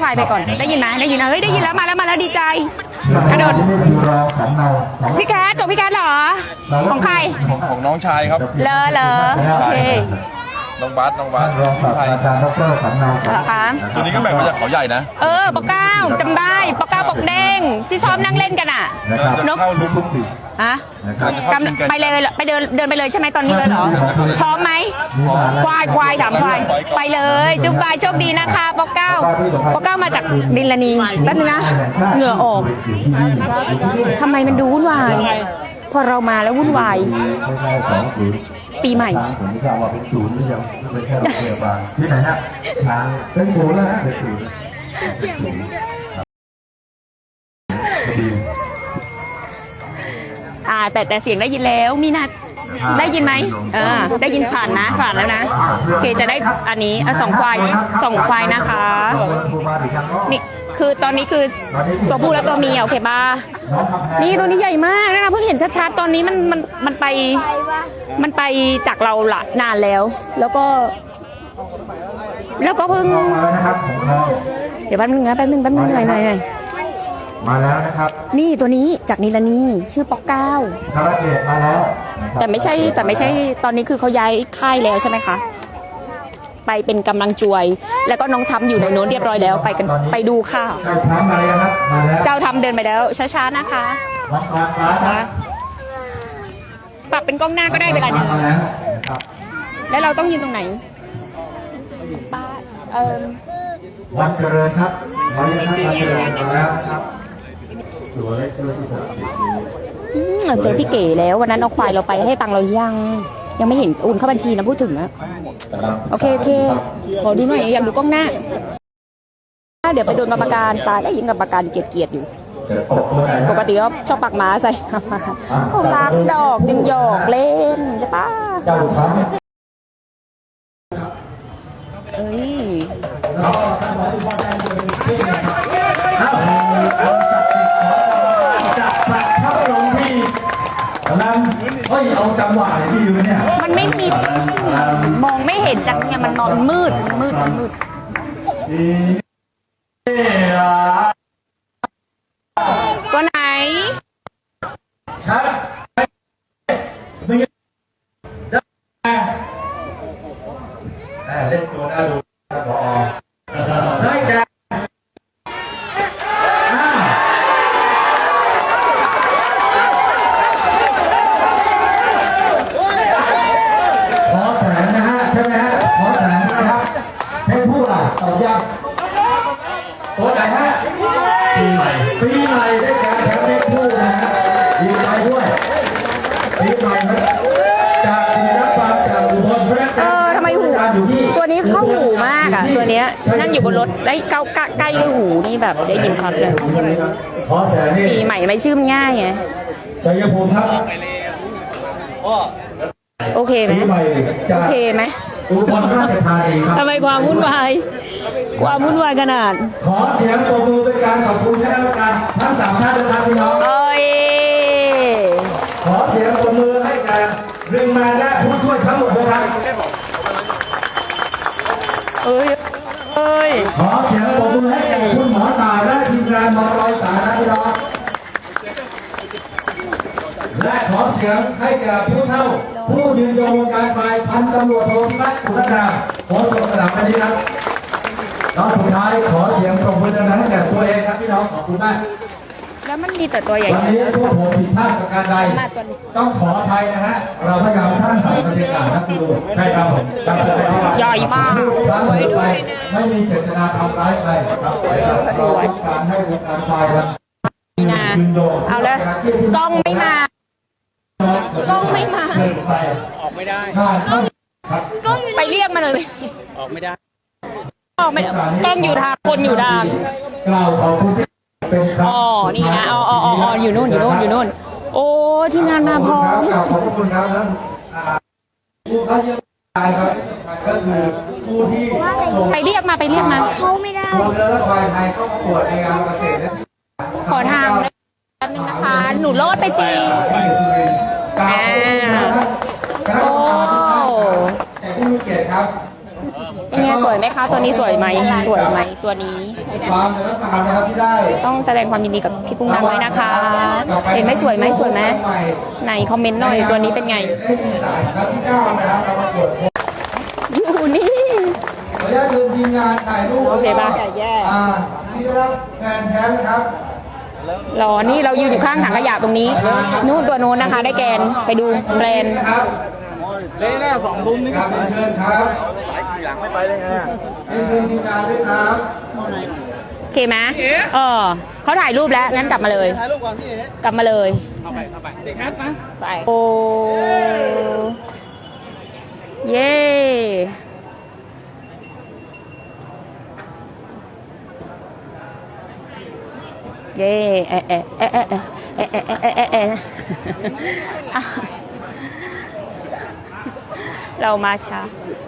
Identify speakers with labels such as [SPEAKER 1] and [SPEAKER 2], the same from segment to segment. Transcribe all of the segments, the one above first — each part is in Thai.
[SPEAKER 1] ควายไปก่อนได้ยินไหมได้ยินนะเฮ้ยได้ยินแล้วมาแล้วดีใจกระโดดพี่แคทของพี่แคทเหรอของใคร
[SPEAKER 2] ของน้องชายครับ
[SPEAKER 1] เหรอโอเค
[SPEAKER 2] น้องบัส
[SPEAKER 3] รองศาสตราจารย์ดร.สำเนาครับ
[SPEAKER 2] ตัวนี้ก็แบ่งมาจากเขาใหญ่นะ
[SPEAKER 1] ปอกเก้าจำได้ปอกเก้าปอกเด้งที่ชอบนั่งเล่นกันอ่ะ
[SPEAKER 2] นกเข้าลุ้ม
[SPEAKER 1] ฮะไปเลยไปเดินไปเลยใช่ไหมตอนนี้เลยเหรอพร้อมไหมควายถามควายไปเลยจุ๊บบายโชคดีนะคะปอกเก้ามาจากดินลานีแป๊บนึงนะเหงื่อออกทำไมมันดูวุ่นวายพอเรามาแล้ววุ่นวายปีใหม่
[SPEAKER 3] ผมไม่ทราบว่าเป็นศูนย์หรือยังเป็นแค่โรงพยาบาลที่ไหนฮะเป็นศูนย์แล้วฮะเป็นศูนย์
[SPEAKER 1] แต่เสียงได้ยินแล้วมีนัดได้ยินไหมได้ยินผ่านแล้วนะโอเคจะได้อันนี้สองควายนะคะนี่คือตอนนี้คือตัวผู้และตัวเมียโอเคป่ะนี่ตัวนี้ใหญ่มากนะคะเพิ่งเห็นชัดๆตอนนี้มันไปจากเราละนานแล้วแล้วก็เพิ่งเดี๋ยวแป๊บนึงหน่อย
[SPEAKER 3] มาแล้วนะครับ
[SPEAKER 1] นี่ตัวนี้จากนิลานีชื่อป๊อกเก้า
[SPEAKER 3] คาราเกะมาแล้ว
[SPEAKER 1] แต่ไม่ใช่ตอนนี้คือเขาย้ายค่ายแล้วใช่ไหมคะไปเป็นกำลังจวยแล้วก็น้องทำอยู่ในโน้นเรียบร้อยแล้วไปดูค่ะ
[SPEAKER 3] เจ้าทำมาแล้วครับมาแล้ว
[SPEAKER 1] เจ้าทำเดินไปแล้วช้าๆนะคะปรับเป็นกล้องหน้าก็ได้เวลานี้แล้วเราต้องยืนตรงไหน
[SPEAKER 3] วันเจริญครับวันเจริญมาแล้วครับสวยที่สุด
[SPEAKER 1] เจอพี่เก๋แล้ววันนั้นเอาควายเราไปให้ตังเรายังไม่เห็นโอนเข้าบัญชีนะพูดถึงนะโอเคขอดูหน่อยอยากดูกล้องหน้าเดี๋ยวไปโดนกรรมการตายแล้วยิงกรรมการเกลียดอยู่ปกติก็ชอบปักม้าใส่เขารักดอกยังหยอกเล่นใช่ปะเอ้ย
[SPEAKER 3] เอาจังหวะที่อยู่เนี่ย
[SPEAKER 1] มันไม่มีมองไม่เห็นจังเนี่ยมันนอนมืดตัวไหน
[SPEAKER 3] ชัดไม่เล่นตัวน่าดูครับผอได้จ้ะตัวไหนฮะปีใหม่ได้การแชมป์เล็กคู่นะฮะดีใจด้วยปีใหม่จากศิลปะจากอุบล
[SPEAKER 1] ทำไมหูตัวนี้เข้าหูมากอ่ะตัวเนี้ยนั่งอยู่บนรถได้ใกล้หูนี่แบบได้ยินชัดเลยปีใหม่ไม่ชื่อมันง่ายไง
[SPEAKER 3] ชัยภูมิครับ
[SPEAKER 1] โอเคไหม
[SPEAKER 3] อุบลราชธานีครับ
[SPEAKER 1] ทำไมความวุ่นวายขนาด
[SPEAKER 3] ขอเสียงปรบมือเป็นการขอบคุณคณะกรรมการทั้ง3ท่านนะครับพี่น้องขอเสียงปรบมือให้กับดึงมาและผู้ช่วยทั้งหมดนะครับขอเสียงปรบมือให้กับคุณหมอตายและทีมงานหมอรอยสายนะพี่น้องและขอเสียงให้กับผู้เฒ่าผู้ยืนยงวงการไฟพันตำรวจโทพิพัฒน์ขุนดาขอส่งสนามวันนี้ครับน้องสุดท้ายขอเสียงปรบมือดังๆให้แก่ตัวเองครับพี่น้องขอบคุณมาก
[SPEAKER 1] แล้วมันมีแต่ตัวใหญ่
[SPEAKER 3] วันนี้พวกผมผิดพลาดประการใดต้องขออภัยนะฮะเราพยายามสร้างสรรค์บรรยากาศนะคุณดูใช่ครับผม
[SPEAKER 1] ใหญ่มาก
[SPEAKER 3] ครั้งต่อไปไม่มีเจตนาทำร้ายใครครับเราต้องการให้วงการไฟครับ
[SPEAKER 1] เอาแล้วกล้องไม่มา
[SPEAKER 2] ออกไม่ได้
[SPEAKER 1] ไปเรียกมาเลย
[SPEAKER 2] ออกไม่ได้
[SPEAKER 1] ต้องอยู่ทางคนอยู่ทางนี่นะอยู่นู่นโอ้ที่งานมาพร้อม
[SPEAKER 3] ขอบคุณครับผู้เขาเยอะครับก็คือผู้ที่
[SPEAKER 1] ไปเรียกมา
[SPEAKER 4] เขาไม่ได้
[SPEAKER 3] ตัวเรือและควายไทยเข้าประกวดในงานเกษตร
[SPEAKER 1] ขอทางแป๊บนึงนะคะหนูโลดไปสิโอ้
[SPEAKER 3] แต่ผู้มีเกียรติครับ
[SPEAKER 1] เป็นไงสวยไหมคะ ตัวนี้สวยไหมสวยไหมตัวนี้
[SPEAKER 3] ความในลักษณะนะครับที่ได้
[SPEAKER 1] ต้องแสดงความยินดีกับพี่กุ้งนางด้วยนะคะ เห็นไหมสวยไหมสวยไหมไหนคอมเมนต์หน่อยตัวนี้เป็นไง
[SPEAKER 3] ได้มีสายครับที่9นะครับเราประกวด
[SPEAKER 1] อยู่นี่
[SPEAKER 3] ขออนุญาตเชิญทีมงานถ่ายรูป
[SPEAKER 1] โอเคป่ะ
[SPEAKER 3] ที่ได้รับแฟนแชมป์ครับ
[SPEAKER 1] รอนี่เรายืนอยู่ข้างถังขยะตรงนี้ นู่นตัวโน้นนะคะ ได้แกนไปดูแบรนด์
[SPEAKER 3] ครับ
[SPEAKER 2] เละหน้าสองลุมนี่
[SPEAKER 3] ครับเชิญครับ
[SPEAKER 2] หลังไม่ไปได้ไง
[SPEAKER 3] เชิญทีมงานด้วยครับ
[SPEAKER 1] โอเคไหมเขาถ่ายรูปแล้ว งั้นกลับมาเลย
[SPEAKER 2] ถ่ายรูปก่อนพี่เอ๋
[SPEAKER 1] กลับมาเลย
[SPEAKER 2] เข้าไปเด็กนัดนะ
[SPEAKER 1] ไปโอ้เย้เย้เรามาช้า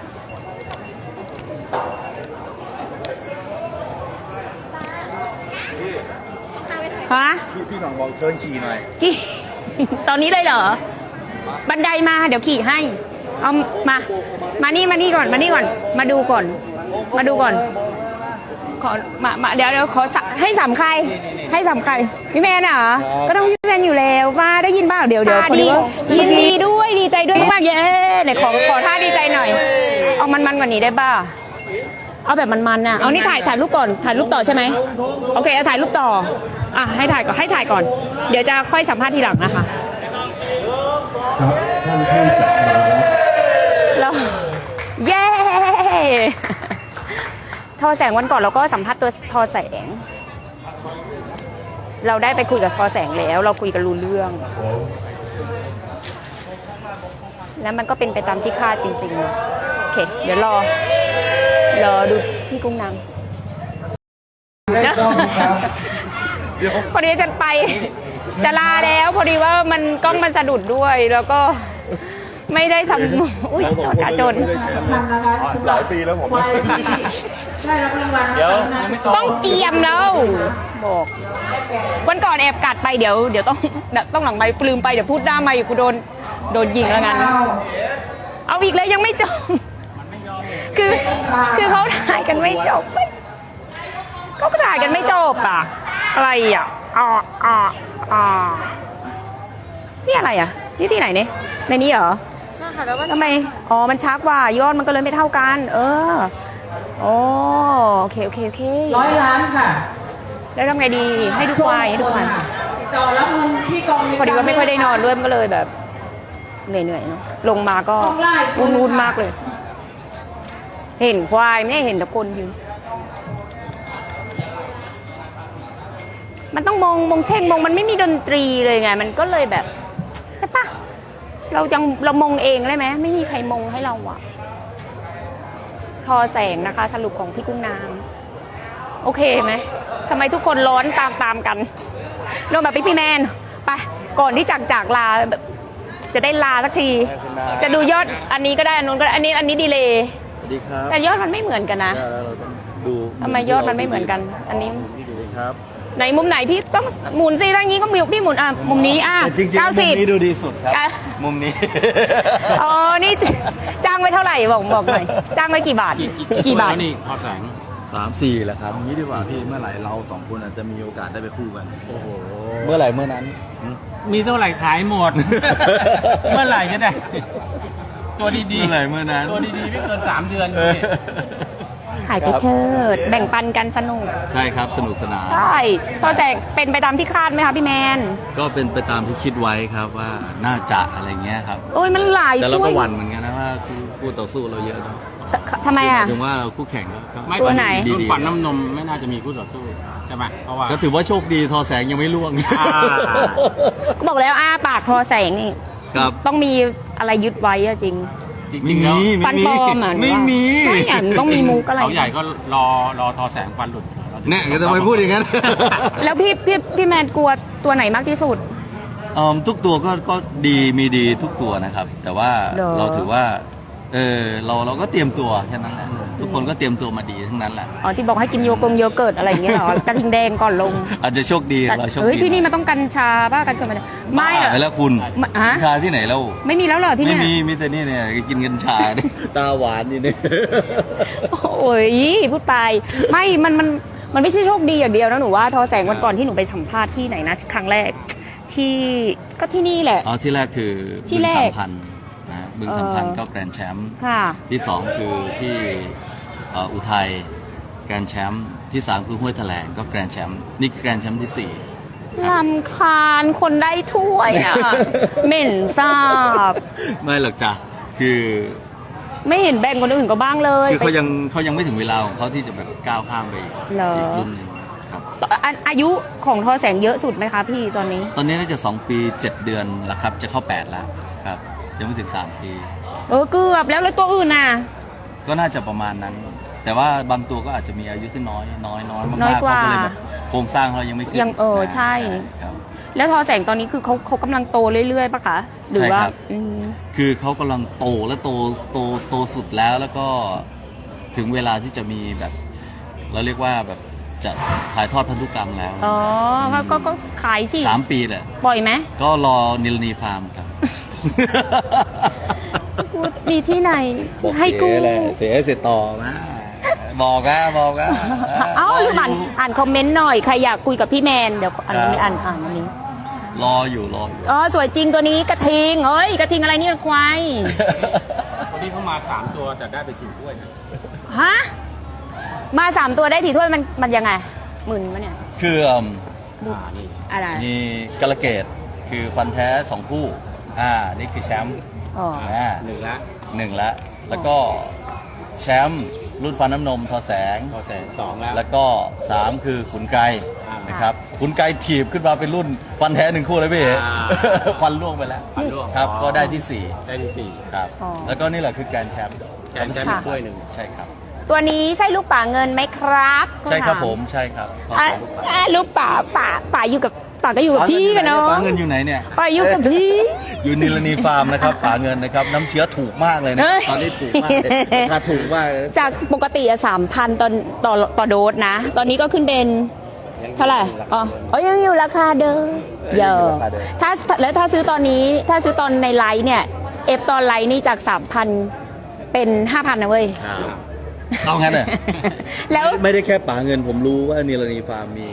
[SPEAKER 1] ฮะ
[SPEAKER 2] พี่หน่องบอกเชิญขี่หน่อย
[SPEAKER 1] กี่ ตอนนี้เลยเหรอ บันไดมาเดี๋ยวขี่ให้ เอามานี่ก่อน มาดูก่อน ขอมาเดี๋ยวขอให้สามใคร พี่แมนเหรอ ก็ต้องพี่แมนอยู่แล้วว่าได้ยินบ้างเดี๋ยวพอดีว่ายินดีด้วยดีใจด้วยมากเย้เนี่ยขอท่าดีใจหน่อย เอามันกว่านี้ได้บ้าเอาแบบมันน่ะเอานี่ถ่ายรูปก่อนถ่ายรูปต่อใช่ไหมโอเคเอาถ่ายรูปต่ออ่ะให้ถ่ายก่อนเดี๋ยวจะค่อยสัมภาษณ์ทีหลังนะคะ
[SPEAKER 3] ครับท่านผู้จัดงาน
[SPEAKER 1] แล้วเย้ทอแสงวันก่อนเราก็สัมภาษณ์ตัวทอแสง เราได้ไปคุยกับทอแสงแล้วเราคุยกันรู้เรื่องแล้วมันก็เป็นไปตามที่คาดจริงๆโอเคเดี๋ยวรอดูพี่กุ้งนาง
[SPEAKER 3] ได้ต้องครับ
[SPEAKER 1] พอดีจะลาแล้วพอดีว่ามันกล้องมันสะดุดด้วยแล้วก็ไม่ได้ทำอุ้ยจอดจน
[SPEAKER 2] หลายปีแล้วผม
[SPEAKER 4] เดี๋ยวยังไม่ต
[SPEAKER 1] ต้องเจียมแล้วบอกวันก่อนแอบกัดไปเดี๋ยวต้องหลังไมค์ลืมไปเดี๋ยวพูดหน้าไมค์กูโดนยิงแล้วงั้นเอาอีกแล้วยังไม่จบคือเขาถ่ายกันไม่จบเขาก็ถ่ายกันไม่จบอ่ะอะไรอ่ะนี่อะไรอ่ะนี่ที่ไหนเนี่ยในนี้เหรอใช่ค่ะแล้วทำไมมันช้ากว่ายอดมันก็เลยไม่เท่ากันโอเค
[SPEAKER 5] 100 ล้านค่ะ
[SPEAKER 1] แล้วทำไงดีให้ดูควาย
[SPEAKER 5] ติดต่อรับเงินที่กอง
[SPEAKER 1] พอดีว่าไม่ค่อยได้นอนด้วยมันก็เลยแบบเหนื่อยๆเนาะลงมาก็อุ่นๆมากเลย เห็นควายไม่เห็นแต่คนยืนมันต้องมองเท่งมันไม่มีดนตรีเลยไงมันก็เลยแบบใช่ปะเรามองเองได้ไหมไม่มีใครมองให้เราอะทอแสงนะคะ สรุปของพี่กุ้งนางโอเคไหมทำไมทุกคนร้อนตามกันลงแบบพี่แมนไปก่อนที่จากลาแบบจะได้ลาสักที จะดูยอดอันนี้ก็ได้อันนู้นก็ได้อันนี้ดีเลย
[SPEAKER 2] สวัสดีครับ
[SPEAKER 1] แต่ยอดมันไม่เหมือนกันนะ
[SPEAKER 2] เราต้องดู
[SPEAKER 1] ทำไมยอดมันไม่เหมือนกัน อันนี้
[SPEAKER 2] ที่ดูครับ
[SPEAKER 1] ไหนมุมไหนพี่ต้องหมุนสิทางนี้ก็มีพี่หมุนมุมนี้
[SPEAKER 2] จริงๆมุมนี้ดูดีสุดครับ มุมนี้
[SPEAKER 1] นี่จ้างไว้เท่าไหร่บอกหน่อยจ้างไว้กี่บาทกี่บาท
[SPEAKER 4] แล้วนี่พอแสง
[SPEAKER 2] 3-4แหละครับนี้ดีกว่าพี่เมื่อไหร่เราสองคนอาจจะมีโอกาสได้ไปคู่กันโอ้โหเมื่อไหร่เมื่อนั้น
[SPEAKER 4] มีเท่าไหร่ขายหมด เมื่อไหร่จะได้ ตัวดี
[SPEAKER 2] เมื่อไหร่เมื่อนั้น
[SPEAKER 4] ตัวดีๆไม่เกิน3 เดือนพี่
[SPEAKER 1] ขายไปเถิดแบ่งปันกันสนุก
[SPEAKER 2] ใช่ครับสนุกสนาน
[SPEAKER 1] ใช่พอแจกเป็นไปตามที่คาดไหมคะพี่แมน
[SPEAKER 2] ก็เป็นไปตามที่คิดไว้ครับว่าน่าจะอะไรเงี้ยครับ
[SPEAKER 1] โอ้ยมันหลาย
[SPEAKER 2] แต่เรา
[SPEAKER 1] ช่ว
[SPEAKER 2] ก็
[SPEAKER 1] ย
[SPEAKER 2] หวั่นเหมือนกันนะว่าคู่ต่อสู้เราเยอะเนาะ
[SPEAKER 1] ทำไมอ่ะ
[SPEAKER 2] ถึงว่าเราคู่แข่งก็
[SPEAKER 4] ไม่
[SPEAKER 1] ตัวไหน
[SPEAKER 4] รุ่นฝันน้ำนมไม่น่าจะมีคู่ต่อสู้ใช่ไหมเพราะว่า
[SPEAKER 2] ก็ถือว่าโชคดีทอแสงยังไม่ล่วง
[SPEAKER 1] ก็บอกแล้วปากพอแสงนี่
[SPEAKER 2] ครับ
[SPEAKER 1] ต้องมีอะไรยึดไว้อะจริง
[SPEAKER 4] จริ
[SPEAKER 2] ไม่
[SPEAKER 4] งๆ
[SPEAKER 2] มี
[SPEAKER 4] แล้ว
[SPEAKER 1] ฟันปลอมอ่ะ
[SPEAKER 2] ไม่มี
[SPEAKER 1] ไม่อ่ะต้องมีมุกอะไร
[SPEAKER 4] เขาใหญ่ก็รอทอแสงฟันหลุด
[SPEAKER 2] เนี่ยก็จะไปพูดอย่างนั้น
[SPEAKER 1] แล้วพี่แมนกลัวตัวไหนมากที่สุด
[SPEAKER 2] ทุกตัวก็ดีมีดีทุกตัวนะครับ แต่ว่า
[SPEAKER 1] เหรอ
[SPEAKER 2] เราถือว่าเราก็เตรียมตัวแค่นั้นแหละทุกคนก็เตรียมตัวมาดีทั้งนั้นแหละ
[SPEAKER 1] อ๋อที่บอกให้กินโยเกิร์ตอะไรอย่างเงี้ยเหรอกระทิงแดงก่อนลง
[SPEAKER 2] อาจจะโชคดีเราโชค
[SPEAKER 1] เฮ้ย
[SPEAKER 2] ดี
[SPEAKER 1] ที่นี่มันต้องกัญชาป่ะกัญชาไม่
[SPEAKER 2] บ้า
[SPEAKER 1] อะ
[SPEAKER 2] ไปแล้วคุณ
[SPEAKER 1] ฮะ
[SPEAKER 2] กัญชาที่ไหนแล้ว
[SPEAKER 1] ไม่มีแล้วเหรอที่
[SPEAKER 2] ไม่
[SPEAKER 1] เนี่ย
[SPEAKER 2] มีแต่นี่เนี่ยกินกัญชาเนี่ยตาหวานนี่เนี่ย
[SPEAKER 1] โอ้โหยพูดไปไม่มันไม่ใช่โชคดีอย่างเดียวนะหนูว่าทอแสงวันก่อนที่หนูไปสัมภาษณ์ที่ไหนนะครั้งแรกที่ก็ที่นี่แหละ
[SPEAKER 2] อ๋อที่แรกคือ
[SPEAKER 1] ที่
[SPEAKER 2] บึง
[SPEAKER 1] แรก
[SPEAKER 2] สัมพันธ์นะบึงสัมพันธ์ก็แกรนด์แชมป์
[SPEAKER 1] ค่ะ
[SPEAKER 2] ที่สองคือที่อุทัยแกรนด์แชมป์ที่สามคือห้วยแถลงก็แกรนด์แชมป์นี่แกรนด์แชมป์ที่สี่
[SPEAKER 1] ลำคาญคนได้ถ้วยอ่ะ เหม็นทราบ
[SPEAKER 2] ไม่หรอกจ้ะคือ
[SPEAKER 1] ไม่เห็นแบ่งคนอื่นก็บ้างเลย
[SPEAKER 2] คือเขายังไม่ถึงเวลาของเขาที่จะแบบก้าวข้ามไปอีก
[SPEAKER 1] เหรอ
[SPEAKER 2] รุ่นหนึ่งครับ
[SPEAKER 1] อายุของทอแสงเยอะสุดไหมคะพี่ตอนนี้
[SPEAKER 2] ตอนนี้น่าจะ2 ปี 7 เดือนแล้วครับจะเข้า8แล้วครับยังไม่ถึง3 ปี
[SPEAKER 1] เกือบแล้วตัวอื่นน่ะ
[SPEAKER 2] ก็น่าจะประมาณนั้น แต่ว่าบางตัวก็อาจจะมีอายุที่น้อยมาก
[SPEAKER 1] น้อย
[SPEAKER 2] ๆ
[SPEAKER 1] กว่า
[SPEAKER 2] เขาก็เลยแบบโครงสร้างเขายังไม่ขึ้น
[SPEAKER 1] ยังใช่
[SPEAKER 2] ครับ
[SPEAKER 1] แล้วทอแสงตอนนี้คือเขากำลังโตเรื่อยๆปะคะหรือว่า
[SPEAKER 2] ใช่ครับ
[SPEAKER 1] อืม
[SPEAKER 2] คือเขากำลังโตและโตสุดแล้วก็ถึงเวลาที่จะมีแบบเราเรียกว่าแบบจะถ่ายทอดพันธุกรรมแล้ว
[SPEAKER 1] อ๋อก็ขายสิ
[SPEAKER 2] 3 ปีแหละ
[SPEAKER 1] ปล่อยไหม
[SPEAKER 2] ก็รอนิลนีฟาร์มครับ
[SPEAKER 1] มีที่ไหนให้กู้
[SPEAKER 2] เสียต่อมาบอกนะ
[SPEAKER 1] เอ้าอ่านคอมเมนต์หน่อยใครอยากคุยกับพี่แมนเดี๋ยวอันนี้อ่านอันนี้
[SPEAKER 2] รออยู่
[SPEAKER 1] อ๋อสวยจริงตัวนี้กระทิงเอ้ยกระทิงอะไรนี่ควาย
[SPEAKER 4] วันนี้เขามา 3 ตัวแต่ได้ไป4 ถ้วยนะ
[SPEAKER 1] ฮะมา3 ตัวได้ถี่ถ้วยมันยังไงหมื่นวะเนี่ย
[SPEAKER 2] คือ
[SPEAKER 4] นี่
[SPEAKER 1] อะไร
[SPEAKER 2] มีกระเกตคือฟันแท้2 คู่นี่คือแชมป์
[SPEAKER 1] อ๋อ
[SPEAKER 4] หนึ่งละ
[SPEAKER 2] 1แล้วก็แชมป์รุ่นฟันน้ำนมทอแสง
[SPEAKER 4] พอแสน2แล้ว
[SPEAKER 2] แล้วก็ 3 คือขุนไกร
[SPEAKER 4] อ่าน
[SPEAKER 2] นะครับขุนไกรถีบขึ้นมาเป็นรุ่นฟันแท้1 คู่เลยพี่เอ๋ ฟันล่วงไปแล้ว
[SPEAKER 4] ฟันร่วง
[SPEAKER 2] ครับ
[SPEAKER 4] อ๋อ
[SPEAKER 2] ก็ได้ที่
[SPEAKER 4] ได้ที่
[SPEAKER 2] 4 ครับ แล้วก็นี่แหละคือแกรนด์แชมป์
[SPEAKER 4] 4แกนแชมป์อีกถ้วยหนึ่ง
[SPEAKER 2] ใช่ครับ
[SPEAKER 1] ตัวนี้ใช่ลูกป่าเงินไหมครับ
[SPEAKER 2] ใช่ครับ
[SPEAKER 1] เขาถา
[SPEAKER 2] ผมใช่ครับ
[SPEAKER 1] ลูกป่าอยู่กับป่าก็อยู่กับพี่กันเนาะ
[SPEAKER 2] ป๋าเงินอยู่ไหนเนี่ย
[SPEAKER 1] ป่าอยู่กับพี่
[SPEAKER 2] อยู่นิลนีฟาร์มนะครับป๋าเงินนะครับน้ำเชื้อถูกมากเลยนะ
[SPEAKER 1] เอ้ย
[SPEAKER 2] ตอนนี้ถูกมากเลยราคาถูกมากเลย
[SPEAKER 1] จากปกติ3,000ต่อโดสนะ ตอนนี้ก็ขึ้นเป็นเท่าไหร่อ๋อยังอยู่ราคาเดิมเยอะถ้าซื้อตอนนี้ถ้าซื้อตอนในไลน์เนี่ยตอนไลน์นี่จาก 3,000 เป็น 5,000นะเว้ย
[SPEAKER 2] เอางั้นเหรอ
[SPEAKER 1] แล้ว
[SPEAKER 2] ไม่ได้แค่ป๋าเงินผมรู้ว่านิลนีฟาร์มมี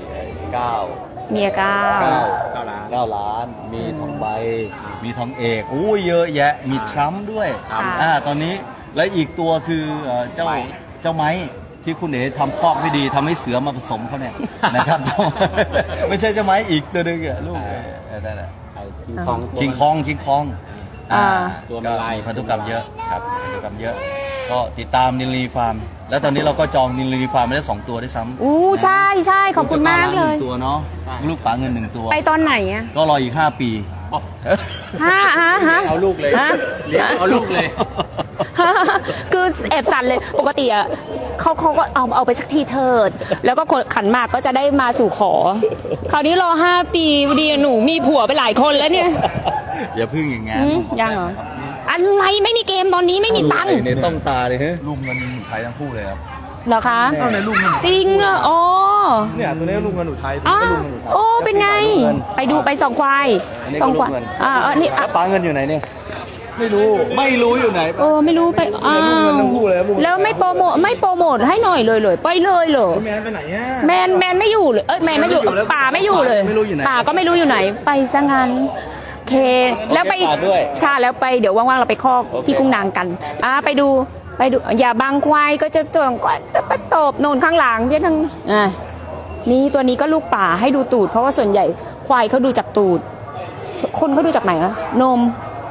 [SPEAKER 2] 9
[SPEAKER 1] เมียก้า
[SPEAKER 4] 9 ล้าน
[SPEAKER 2] 9 ล้าน มีทองใบ มีทองเอกอู้เยอะแยะ มีทรัมป์ด้วย
[SPEAKER 4] ครับ
[SPEAKER 2] ตอนนี้และอีกตัวคือเจ้า
[SPEAKER 4] ไม้
[SPEAKER 2] เจ้าไม้ที่คุณเอ๋ทำคอกไม่ดีทำให้เสือมาผสมเขาเนี่ย นะครับเจ้าไม่ใช่เจ้าไม้อีกตัวหนึงอะลูกนั่นแหละ
[SPEAKER 4] ไอ้คิงคอง
[SPEAKER 2] คิงคอง
[SPEAKER 4] ตัวมันลาย
[SPEAKER 2] มีพันธุกรรมเยอะครับพันธุกรรมเยอะ ก็ติดตามนิลนีฟาร์ม แล้วตอนนี้เราก็จองนิลนีฟาร์มไปได้2 ตัวได้วยซ้ำ
[SPEAKER 1] อู้ใช่ขอบคุณมากเลย
[SPEAKER 2] 1 ตัวเนาะลูกป๋าเงิน1 ตัว
[SPEAKER 1] ไปตอนไหนอะ
[SPEAKER 2] ก็รออีก5 ปี
[SPEAKER 1] ฮะ
[SPEAKER 4] เอาลูกเลย
[SPEAKER 1] ฮะ
[SPEAKER 4] เลี้ยงเอาลูกเลย
[SPEAKER 1] คือแอบสั่นเลยปกติอ่ะเขาก็เอาไปสักทีเถิด แล้วก็คนขันหมากก็จะได้มาสู่ขอ คราวนี้รอ5 ปีพอดีหนูมีผัวไปหลายคนแล้วเนี่ย
[SPEAKER 2] อย่าพึ่งอย่างงั้น
[SPEAKER 1] ยังเหรออะไรไม่มีเกมตอนนี้ไม่มีตังค์
[SPEAKER 2] ในต้องตาเลยฮะลูกเงินหนูไทยทั้งคู่เลยครับ
[SPEAKER 1] เหรอคะ
[SPEAKER 2] เอาในลูกเงิน
[SPEAKER 1] จริงอ่ะอ๋อ
[SPEAKER 2] เนี่ยตัวนี้ลูกเงินหนูไทยตัว
[SPEAKER 1] อ๋อ
[SPEAKER 2] นี้ลูกเงินหนูไทย
[SPEAKER 1] โอ้เป็นไง ไปดูไป2 ควาย
[SPEAKER 2] อันนี้
[SPEAKER 1] ส
[SPEAKER 2] ก็
[SPEAKER 1] อง
[SPEAKER 2] ลู
[SPEAKER 1] ควาก ย
[SPEAKER 2] เงิน
[SPEAKER 1] นี่
[SPEAKER 2] แล้วป๋าเงินอยู่ไหนเนี่ยไม่รู้อยู่ไหน
[SPEAKER 1] ไม่รู้ไปอ้าว
[SPEAKER 2] ลูกเงินทั้งคู่เลย
[SPEAKER 1] แล้วไม่โปรโมทให้หน่อยเลยไปเลยเหรอ
[SPEAKER 2] แมนไปไหนอ่ะ
[SPEAKER 1] แมนไม่อยู่เลยแมนไม่อยู่
[SPEAKER 2] ไม่อยู่แล้ว
[SPEAKER 1] ป่าไม่อยู่เลย
[SPEAKER 2] ไม่รู้อยู่ไหน
[SPEAKER 1] ป่าก็ไม่รู้อยู่ไหน ไปซะงั้นโอเค แล้วไป
[SPEAKER 2] ป่าด้วย
[SPEAKER 1] ค่ะแล้วไปเดี๋ยวว่างๆเราไปคอก
[SPEAKER 2] โอเค
[SPEAKER 1] พี่กุ้งนางกันไปดูอย่าบังควายก็จะตัวก็จะไปตบโน่นข้างหลังเพี่ทั้งนี่ตัวนี้ก็ลูกป่าให้ดูตูดเพราะว่าส่วนใหญ่ควายเขาดูจากตูด คนเขาดูจากไหนอะนม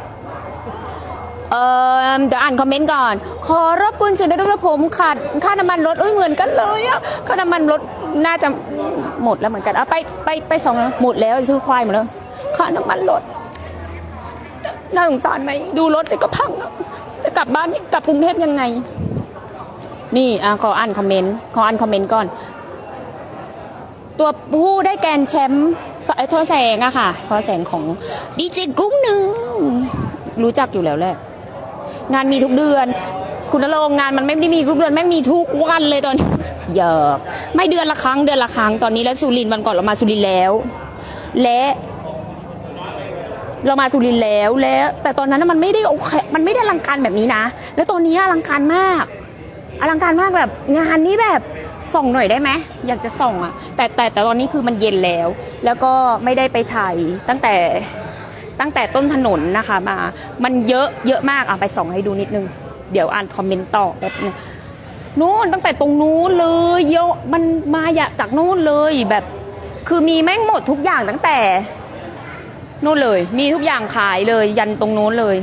[SPEAKER 1] เดี๋ยวอ่านคอมเมนต์ก่อน ขอรบกวนสื่อด้วยนะผมขาดค่าน้ำมันรถเหมือนกันเลยอะค่าน้ำมันรถน่าจะหมดแล้วเหมือนกันไปสองหมดแล้วซื้อควายหมดแล้วค่าน้ำมันรถน่าสงสารไหมดูรถสิก็พังแล้วจะกลับบ้านกลับกรุงเทพยังไง นี่ขออ่านคอมเมนต์ก่อน ตัวผู้ได้แกรนด์แชมป์ทอแสงอะค่ะทอแสงของดีเจกุ้งหนึ่งรู้จักอยู่แล้วแหละงานมีทุกเดือน คุณณรงค์งานมันไม่ได้มีทุกเดือนแม่งมีทุกวันเลยตอนนี้เยอะไม่เดือนละครั้งตอนนี้แล้วสุรินทร์วันก่อนเรามาสุรินทร์แล้วและเรามาสุรินทร์แล้วแต่ตอนนั้นมันไม่ได้โอเคมันไม่ได้อลังการแบบนี้นะแล้วตอนนี้อลังการมากอลังการมากแบบงานนี้แบบส่องหน่อยได้ไหมอยากจะส่องอ่ะแต่ตอนนี้คือมันเย็นแล้ว แล้วก็ไม่ได้ไปถ่ายตั้งแต่ต้นถนนนะคะมามันเยอะมากไปส่องให้ดูนิดนึงเดี๋ยวอ่านคอมเมนต์ต่อแบบนึงนู้นตั้งแต่ตรงนู้นเลยเยอะมันมาจากนู้นเลยแบบคือมีแม่งหมดทุกอย่างตั้งแต่นู้นเลยมีทุกอย่างขายเลยยันตรงนู้นเลย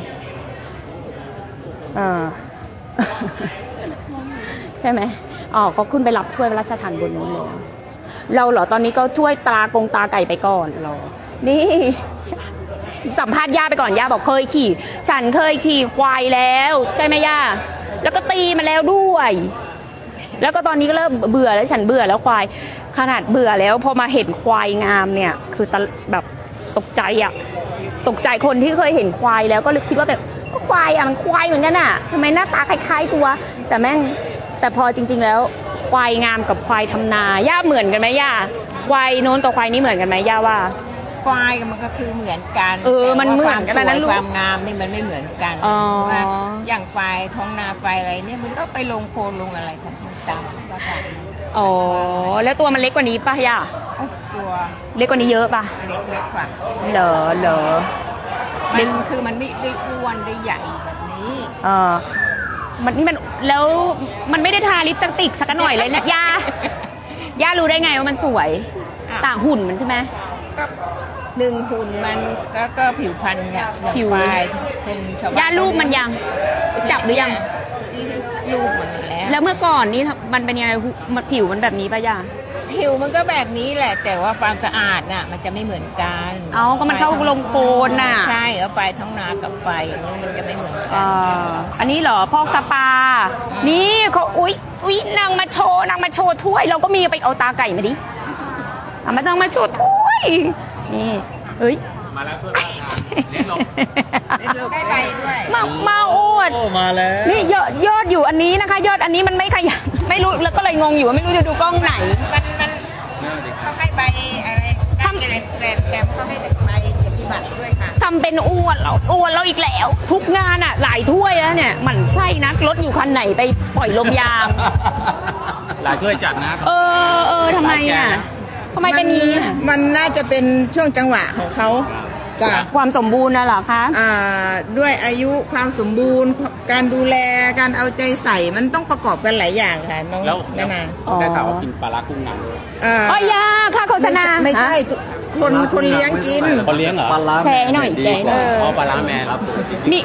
[SPEAKER 1] ใช่ไหมอ๋อเขาขึ้นไปรับถ้วยพระราชทานบนนู้นเลยเราเหรอตอนนี้ก็ช่วยตาไก่ไปก่อนเรานี่สัมภาษณ์ย่าไปก่อนย่าบอกเคยขี่ฉันเคยขี่ควายแล้วใช่ไหมย่าแล้วก็ตีมาแล้วด้วยแล้วก็ตอนนี้ก็เริ่มเบื่อแล้วฉันเบื่อแล้วควายขนาดเบื่อแล้วพอมาเห็นควายงามเนี่ยคือแบบตกใจคนที่เคยเห็นควายแล้วก็คิดว่าแบบก็ควายมันควายเหมือนกันอ่ะทำไมหน้าตาคล้ายๆกูวะแต่พอจริงๆแล้วควายงามกับควายทำนาย่าเหมือนกันไหมย่าควายโน้นกับควายนี้เหมือนกันไหมย่าว่า
[SPEAKER 6] ควายมันก็คือเหมือนกัน
[SPEAKER 1] มันเหมือนกันนะลูก
[SPEAKER 6] ความงามนี่มันไม่เหมือนกันว่าอย่างไฟท้องนาไฟอะไรเนี่ยมันก็ไปลงโคลนลงอะไรของมันตามภาษา
[SPEAKER 1] อ๋อแล้วตัวมันเล็กกว่านี้ป่ะย่า
[SPEAKER 6] ตัว
[SPEAKER 1] เล็กกว่านี้เยอะป่ะ
[SPEAKER 6] เล็กกว่า
[SPEAKER 1] เหรอ
[SPEAKER 6] มันคือมันไม่ได้อ้วนได้ใหญ่แบบนี้
[SPEAKER 1] มันแล้วมันไม่ได้ทาลิปสติกสักหน่อยเลยนะย่ารู้ได้ไงว่ามันสวยต่างหุ่นมันใช่ไหม
[SPEAKER 6] ก็หนึ่งหุ่นมันก็ผิวพรรณเนี่ย
[SPEAKER 1] ผิว
[SPEAKER 6] คนชาวบ้าน
[SPEAKER 1] ย่ารูปมันยังจับหรือยัง
[SPEAKER 6] รูปมัน
[SPEAKER 1] แล้วเมื่อก่อนนี่มันเป็นยังไงผิวมันแบบนี้ป่ะย่า
[SPEAKER 6] ผิวมันก็แบบนี้แหละแต่ว่าความสะอาดน่ะมันจะไม่เหมือนกัน
[SPEAKER 1] ก็มันเข้าลงโคลนน่ะ
[SPEAKER 6] ใช่ไฟท้องนากับไฟอย่างนี้มันจะไม่เหมือนกัน
[SPEAKER 1] อันนี้เหรอพอกสปานี่เขาอุ๊ยนางมาโชว์ถ้วยเราก็มีไปเอาตาไก่มาดิมาต้องมาโชว์ถ้วยนี่เฮ้ย
[SPEAKER 4] มาแล้วถ้วยมาเล่นลง
[SPEAKER 6] ได้ใบด้วย
[SPEAKER 1] มาอวด
[SPEAKER 2] มาแล้ว
[SPEAKER 1] นี่ยอดอยู่อันนี้นะคะยอดอันนี้มันไม่ขยับไม่รู้แล้วก็เลยงงอยู่ว่าไม่รู้จะดูกล้องไหน
[SPEAKER 6] มันเขาให้ใบอะไรทำแถมเขาให้ใบเกียรติบัตรด้วยค่ะ
[SPEAKER 1] ทำเป็นอวดเราอีกแล้วทุกงานอ่ะหลายถ้วยแล้วเนี่ยมันใช่นะรถอยู่คันไหนไปปล่อยลมยาง
[SPEAKER 4] หลายถ้วยจัดนะ
[SPEAKER 1] ทำไมอ่ะทำไมเป็นนี้
[SPEAKER 6] มันน่าจะเป็นช่วงจังหวะของเขา
[SPEAKER 1] จากความสมบูรณ์นะเหรอคะ
[SPEAKER 6] ด้วยอายุความสมบูรณ์การดูแลการเอาใจใส่มันต้องประกอบกันหลายอย่างค่ะน้องนานา
[SPEAKER 4] ได้ข่าวว่ากินปลาร้ากุ้งนางด้วย
[SPEAKER 1] ยาค่าโฆษณา
[SPEAKER 6] ไม่ใช่คนเลี้ยงกิน
[SPEAKER 4] คนเลี้ยงเหรอ
[SPEAKER 2] ปลาร้า
[SPEAKER 1] แชร์หน่อยแชร์
[SPEAKER 4] ปลาร้าแมนครับ
[SPEAKER 1] มี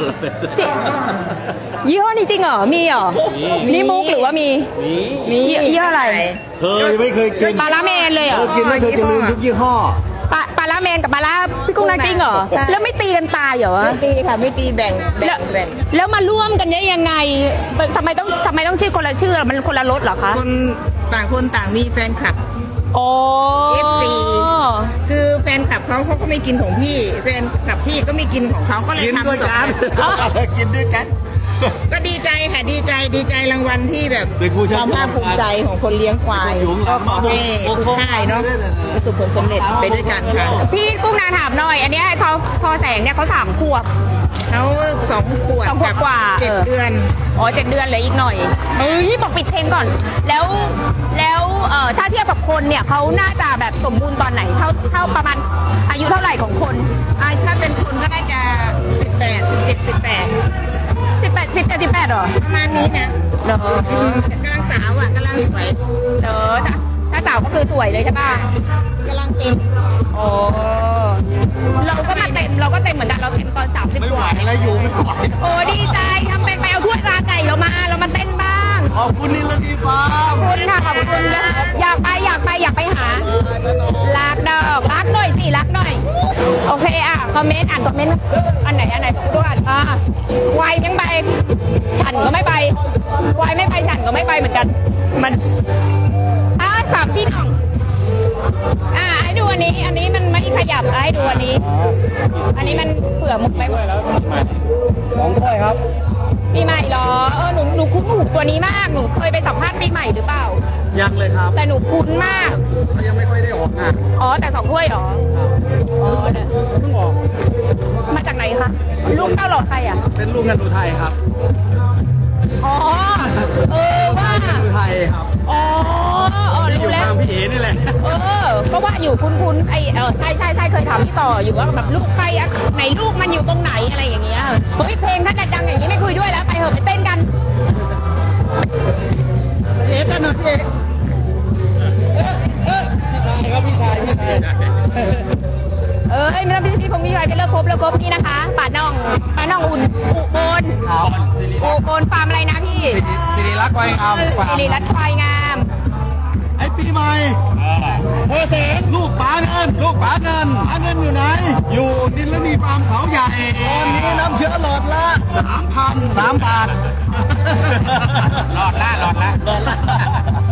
[SPEAKER 1] ยี่ห้อนี้จริงเหรอมีเหรอนี่มุกหรือว่ามียี่ห้ออะไร
[SPEAKER 2] ไม่เคยกิน
[SPEAKER 1] ปลาร้าแมนเลยเหรอ
[SPEAKER 2] กินแล้วเธอจะลืมทุกยี่ห้อ
[SPEAKER 1] ปลาร้าแมนกับปลาร้าพี่กุ้งนาจริงเหรอแล้วไม่ตีกันตายเหรอ
[SPEAKER 6] ไม่ตีค่ะไม่ตีแบ่ง
[SPEAKER 1] แล้วมาร่วมกันได้ยังไงทำไมต้องชื่อคนละชื่อมันคนละรสเหรอคะ
[SPEAKER 6] คนต่างมีแฟนคลับFC คือแฟนคลับเขาก็ไม่กินของพี่แฟนคลับพี่ก็ไม่กินของเขาก็เลยทำสด
[SPEAKER 2] กินด้วยกัน
[SPEAKER 6] ก็ดีใจค่ะดีใจรางวัลที่แบบความภาคภูมิใจของคนเลี้ยงควายก็ขอให้ทุกค่ายเนาะประสบผลสำเร็จไปด้วยกันค่ะ
[SPEAKER 1] พี่กุ้งนาถามหน่อยอันนี้เขาพอแสงเนี่ยเขา3 ขวบ
[SPEAKER 6] เขา2 ขวบ
[SPEAKER 1] กว่า
[SPEAKER 6] 7 เดือน
[SPEAKER 1] 7 เดือนเลยอีกหน่อยบอกปิดเพลงก่อนแล้วถ้าเทียบกับคนเนี่ยเขาน่าจะแบบสมบูรณ์ตอนไหนเท่าประมาณอายุเท่าไหร่ของคน
[SPEAKER 6] ถ้าเป็นคนก็น่าจะ18 17
[SPEAKER 1] 18เหรอ
[SPEAKER 6] ประมาณนี้นะกำลังสาวกำลังสวย
[SPEAKER 1] ถ้าสาวก็คือสวยเลยใช่ป่ะ
[SPEAKER 6] กำลังเต็ม
[SPEAKER 1] เราก็เต็มเหมือนกันเราเต็มตอน30
[SPEAKER 2] ไม่ไหวแล้วอยู่ไม่ไหว
[SPEAKER 1] ดีใจทำไปเอาถ้วยปลาไก่เรามาเต้นบ้าง
[SPEAKER 2] ขอบคุณนิรดีฟ้า
[SPEAKER 1] ขอบคุณค่ะขอบคุณอยากไปหารักดอกรักหน่อยสิรักหน่อยโอเคคอมเมนต์อ่านคอมเมนต์อันไหนด้วยวายยังไปฉันก็ไม่ไปวายไม่ไปฉันก็ไม่ไปเหมือนกันมันสับพี่น้องให้ดูอันนี้มันไม่ขยับให้ดูอันนี้มันเผื่อมุกไป
[SPEAKER 2] 2 ถ้วยครับ
[SPEAKER 1] ปีใหม่เหรอหนูคุ้นหูตัวนี้มากหนูเคยไปสัมภาษณ์ปีใหม่หรือเปล่า
[SPEAKER 2] ยังเลยครับ
[SPEAKER 1] แต่หนูคุ้นมาก
[SPEAKER 2] เขายังไม่ค่อยได้ออกงาน
[SPEAKER 1] แต่2 ถ้วยเหรอ
[SPEAKER 2] เพิ่งออก
[SPEAKER 1] มาจากไหนคะลูกเต้าหล่อใคร
[SPEAKER 2] เป็นลูกเงินอุทัยครับ
[SPEAKER 1] อ๋อ ว่า
[SPEAKER 2] ไทยครับ
[SPEAKER 1] อ๋อ
[SPEAKER 2] ที่อยู่
[SPEAKER 1] รู้แล้ว
[SPEAKER 2] ตามพี่เอ๋นี่แหละ
[SPEAKER 1] ก็ว่าอยู่คุ้นๆใช่เคยถามพี่ต่ออยู่ว่าแบบลูกใครอะไหนลูกมันอยู่ตรงไหนอะไรอย่างเงี้ยเฮ้ยเพลงถ้าดังอย่างนี้ไม่คุยด้วยแล้วไปเถอะไปเต้นกัน
[SPEAKER 2] เอ๋กันหน่อยพี่เอ๋พี่ชายครับพี่ชาย
[SPEAKER 1] ไม่ต้องพี่คงพี่ไปเลิกครบนี่นะคะป่าน่องอุ่นอุบลอุบลฟาร์มอะไรนะพี่
[SPEAKER 2] สิริรักษ์ไวงาม
[SPEAKER 1] สิริรัตน์ควายงาม
[SPEAKER 2] ไอ้ปีใหม่เธอเสงลูกป๋าเงินอยู่ไหน อยู่ดินและนีฟาร์มเขาใหญ่ตอนนี้น้ำเชื้อหลอดละ3,000 3 บาท
[SPEAKER 4] หลอดละ